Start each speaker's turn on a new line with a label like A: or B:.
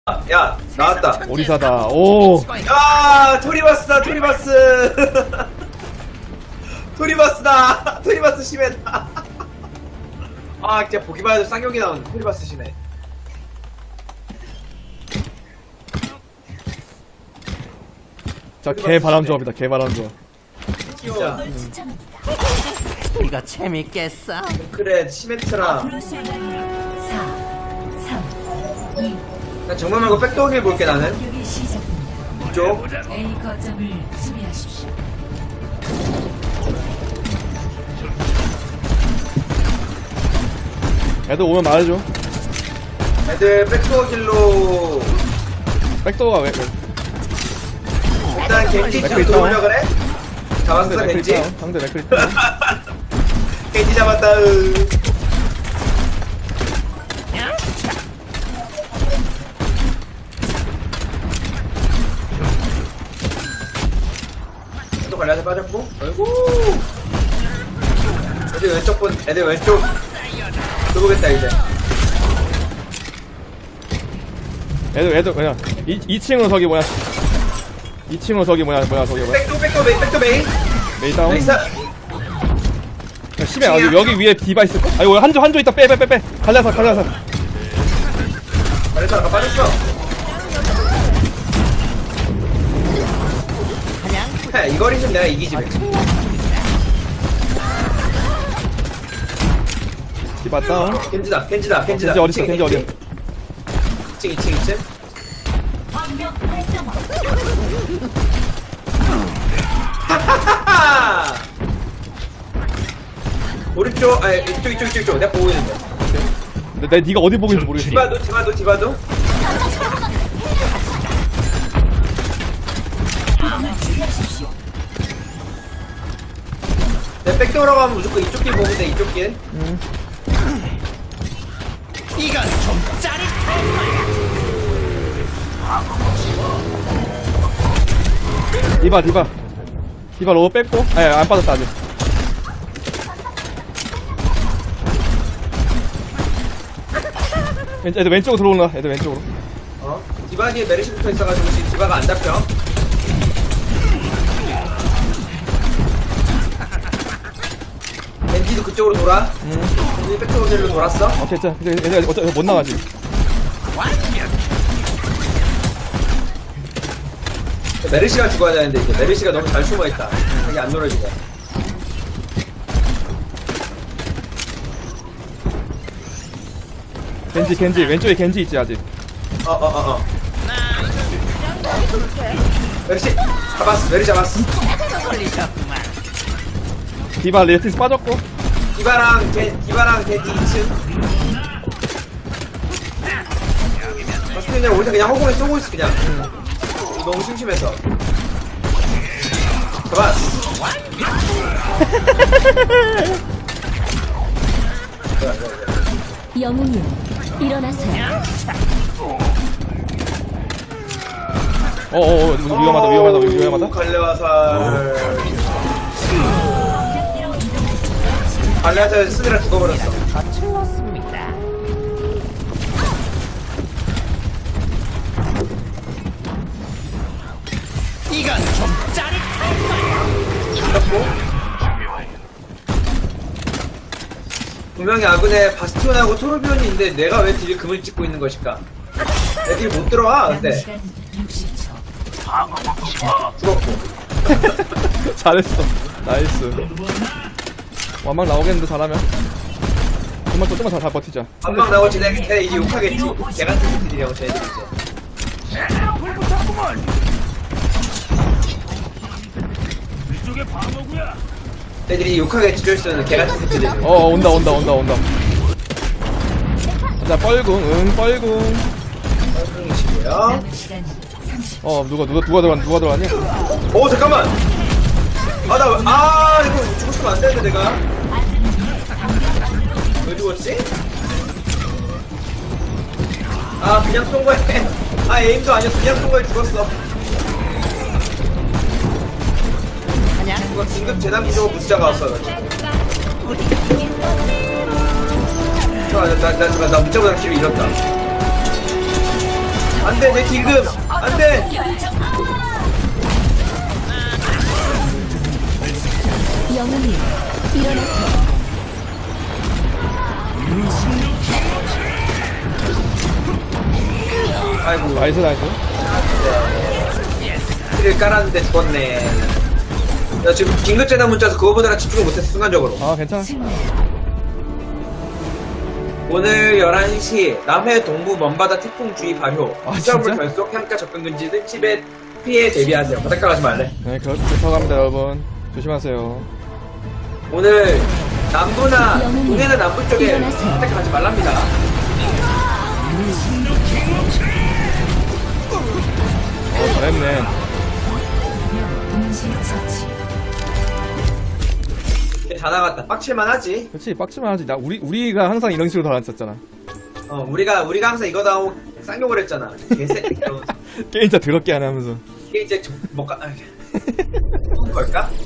A: 야 나왔다.
B: 오리사다. 오.
A: 야 토리바스다 토리바스. 토리바스다. 토리바스 심해다. 아 진짜 보기만 해도 쌍욕이 나오는 토리바스 심해.
B: 자, 개바람 조합이다. 개바람 조합.
A: 진짜
C: 이거 재밌겠어?
A: 그래 시메트라.
D: 4, 3, 2,
A: 나 정말 말고 백도어길 볼게 나는.
D: 공격이 시작됩니다.
A: 이쪽.
D: A 거점을 수비하십시오.
B: 애들 오면 말해줘.
A: 애들 백도어길로
B: 백도어가 왜?
A: 일단 겐지
B: 맥클이
A: 좀
B: 있다.
A: 돌려 그래. 잡았어
B: 상대 맥클
A: 겐지.
B: 있다. 상대 맥클 있다.
A: 겐지 잡았다. 또 관리한테 빠졌고. 아이고. 애들 왼쪽 본 애들 왼쪽 들어보겠다 이제.
B: 애들 그냥 2층으로 저기 뭐야? 2층으로 저기 뭐야 저기 뭐야?
A: 백도 메인.
B: 메이 다운.
A: 나이스.
B: 야, 심해. 여기 위에 디바 있을까? 아이고 한조 있다. 빼. 갈라서.
A: 잘했어 아까 빠졌어. 해, 이 거리는 내가 이기지.
B: 디바 다운.
A: 겐지다.
B: 겐지 어딨어? 겐지 어디야?
A: 2층. 하하하하! 오른쪽, 아니, 이쪽. 내가 보고 있는데.
B: 근데 네가 어디 보고 있는지 모르겠어.
A: 디바도. 내가 백도어라고 하면 무조건 이쪽 길 보면 돼, 이쪽 길.
C: 이건 좀 짜릿할 거야.
B: 디바 로우 뺐고. 아니 안 빠졌다 아직. 애들 왼쪽으로 들어오나? 애들 왼쪽으로.
A: 디바 뒤에 메르시 붙어 있어가지고 지금 디바가 안 잡혀. 겐지도 그쪽으로 돌아. 겐지 백도어 길로 돌았어.
B: 오케이, 자, 애들 어차피 못 나가지.
A: 메르시가 죽어야 되는데 이제 메르시가 너무 잘 숨어있다. 자기 안 놀아주고.
B: 겐지 왼쪽에 겐지 있지 아직.
A: 메르시 잡았어. 메르시 잡았어.
C: 걸리셨구만.
B: 디바 레티스 빠졌고.
A: 디바랑 겐지 2층. 마스터 그냥 우리 그냥 허공에 쏘고 있어 그냥. 너무 심심해서. 잡았어.
D: 영웅이요, 일어나세요.
B: 위험하다.
A: 갈래화살. 갈래화살 쓰느라 죽어버렸어.
C: 거칠렀습니다. 이건 좀 짜릿할 거야.
A: 잡고. 분명히 아군에 바스티온하고 토르비온이 있는데 내가 왜 딜 금을 찍고 있는 것일까? 내 딜 못 들어와
D: 남은
A: 근데.
D: 시간 60초.
A: 죽었고.
B: 잘했어. 나이스. 완막 나오겠는데 잘하면. 좀만 잘 버티자.
A: 한방 나올지 내가 이제 욕하겠지. 개같은 딜이라고 쟤네들 이제. 애들이 욕하겠지 쫄수는 개같은 새끼들.
B: 온다. 자, 뻘궁.
A: 뻘궁이시고요.
D: 남은 시간 30초.
B: 누가 들어왔니?
A: 오 잠깐만. 이거 죽었으면 안 되는데 내가. 왜 죽었지? 그냥 쏜 거에. 에임도 아니었어. 그냥 쏜 거에 죽었어. 이거 긴급 재난 기조 문자가 왔어. 나 문자보다 길을 잃었다. 안돼 내 딜금 안돼.
D: 영웅님 일어나세요.
A: 아이고
B: 나이스 나이스.
A: 딜을 깔았는데 죽었네. 나 지금 긴급 재난 문자에서 그거 보느라 집중을 못했어 순간적으로.
B: 아 괜찮아.
D: 승리.
A: 오늘 11시 남해 동부 먼바다 태풍 주의 발효.
B: 아,
A: 시설물
B: 진짜?
A: 결속, 향가 접근 금지 등 집에 피해 대비하세요. 바닷가 가지 말래.
B: 네 그렇다고 합니다 여러분. 조심하세요.
A: 오늘 남부나
D: 영웅님,
A: 동해나 남부 쪽에
D: 일어나세요.
A: 바닷가 가지 말랍니다.
B: 잘했네.
D: 동시 처치.
A: 다 나갔다. 빡칠만 하지.
B: 그렇지 빡치만 하지. 나 우리가 항상 이런 식으로 달았었잖아.
A: 우리가 항상 이거 나오고 쌍욕을 했잖아. 개새끼.
B: 게임 진짜 더럽게 안 하면서.
A: 이게 이제 걸까?